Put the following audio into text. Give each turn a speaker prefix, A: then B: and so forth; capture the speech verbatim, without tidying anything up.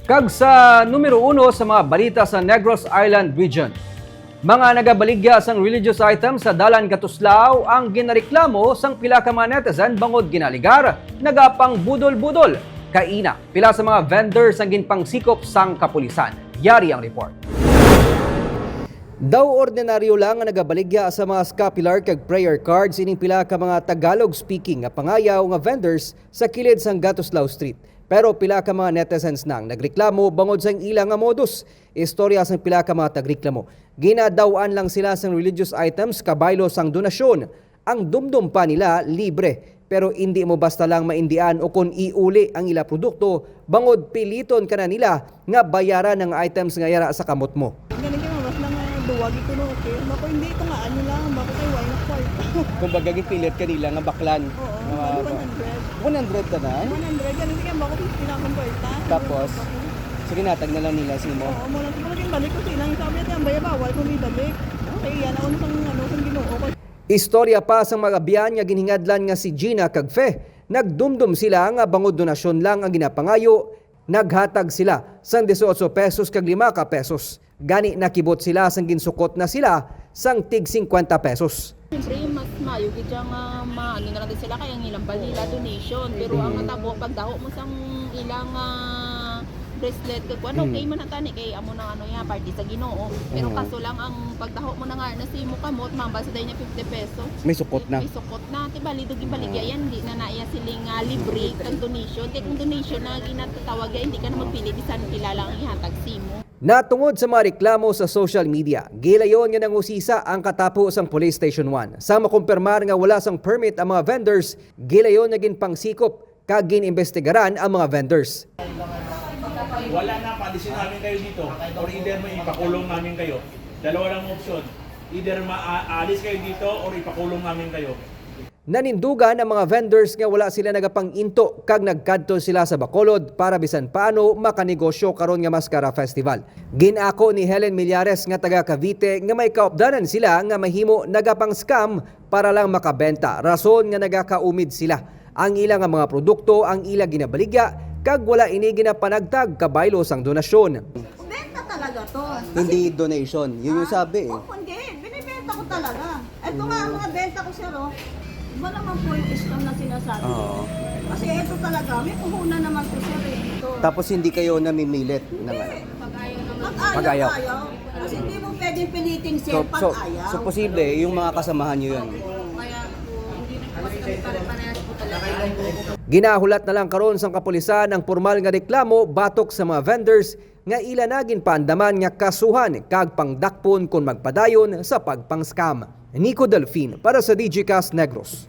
A: Kag sa numero uno sa mga balita sa Negros Island Region. Mga nagabaligya sang religious items sa Dalan Katuslao ang ginareklamo sang pila ka mga netizen bangod ginaligar, nagapang budol-budol. Kaina, pila sa mga vendors ang ginpangsikop sang kapulisan. Yari ang report. Daw ordinaryo lang ang nagabaligya sa mga scapular kag prayer cards ining pila ka mga Tagalog speaking nga pangayaw nga vendors sa kilid sang Gatuslao Street. Pero pila ka mga netizens nang nagreklamo bangod sang ilang nga modus. Istorya sang pila ka mga tagreklamo. Ginadawaan lang sila sang religious items kabaylo sang donasyon. Ang dumdum pa nila libre. Pero hindi mo basta lang maindian o kung iuli ang ila produkto, bangod piliton ka na nila nga bayaran ng items nga yara sa kamot mo.
B: Ganun kayo, mas lang duwagi ko no, okay? Bako hindi ito nga ano lang, bako kayo why not kwarta.
C: Kung bagaging pilit kanila nga baklan.
B: Oo,
C: Mga-
B: one hundred.
C: one hundred ka na?
B: one hundred, ganun kayo, bako fifty lang akong kwarta.
C: Tapos? Sige natag na lang nila simo.
B: Oo, mula sa mga balik ko silang sabi natin, ang baya bawal kung may balik. Okay, yan, ako sang ano, sang ginoo ko.
A: Istorya pa sa mga biyan nga giningadlan nga si Gina kag Fe. Nagdumdum sila nga bangod donasyon lang ang ginapangayo. Naghatag sila sang eighteen pesos kag lima ka pesos. Gani nakibot sila sang ginsukot na sila sang tig fifty pesos.
D: Siyempre, mas mayo gid nga maano na lang din sila kaya ang ilang balila donation. Pero ang natabo pagdaho mo sang ilang ah, bracelet kag kuan okay man tani kay amo nang ano ya party sa Ginoo. Pero
C: Mm.
D: kaso lang ang pagdaho mo na nga na si mo kamot mambal sa day niya fifty pesos.
C: May sukot na.
D: May sukot na ti bali dugi baligya yan di na naiya siling uh, libre kag donation. Kay kung donation na ginatawag ya hindi ka na magpili bisan pila lang ang ihatag simo.
A: Natungod sa mga reklamo sa social media, gilayon nga nangusisa ang katapos ang Police Station one. Sa makumpirmar nga wala sang permit ang mga vendors, gilayon nga ginpangsikop kag ginimbestigaran ang mga vendors.
E: Wala na, paalisin namin kayo dito. Or either may ipakulong namin kayo. Dalawa lang option. Either maalis kayo dito or ipakulong namin kayo.
A: Nanindugan ang mga vendors nga wala sila nagapanginto kag nagkadto sila sa Bacolod para bisan paano makanegosyo karon nga Mascara Festival. Ginako ni Helen Millares nga taga Cavite nga may kaupdanan sila nga mahimo nagapang scam para lang makabenta. Rason nga nagakaumid sila. Ang ilang nga mga produkto ang ila ginabaligya kag wala ini ginapanagtag kabaylo sang donasyon.
B: Benta talaga to.
C: Hindi donation. Yun yung sabi eh.
B: Oo, hindi. Binibenta ko talaga. Ito nga ang mga benta ko sir, oh. Iba naman po yung scam na sinasabi ko.
C: Oo.
B: Kasi ito talaga, may puhunan naman po sir eh. Ito.
C: Tapos hindi kayo namimilit. Ng, ano.
B: Pag-ayaw,
C: Pag-ayaw.
B: ayaw. Kasi hindi mo pwedeng piliting sir
C: So, so,
B: pag-ayaw.
C: so posible, yung mga kasamahan nyo yun.
A: Ginahulat na lang karon sang kapulisan ang formal nga reklamo batok sa mga vendors nga ila nagin paandaman nga kasuhan kag pangdakpon kung magpadayon sa pagpang-scam. Nico Delfin para sa D G Cast Negros.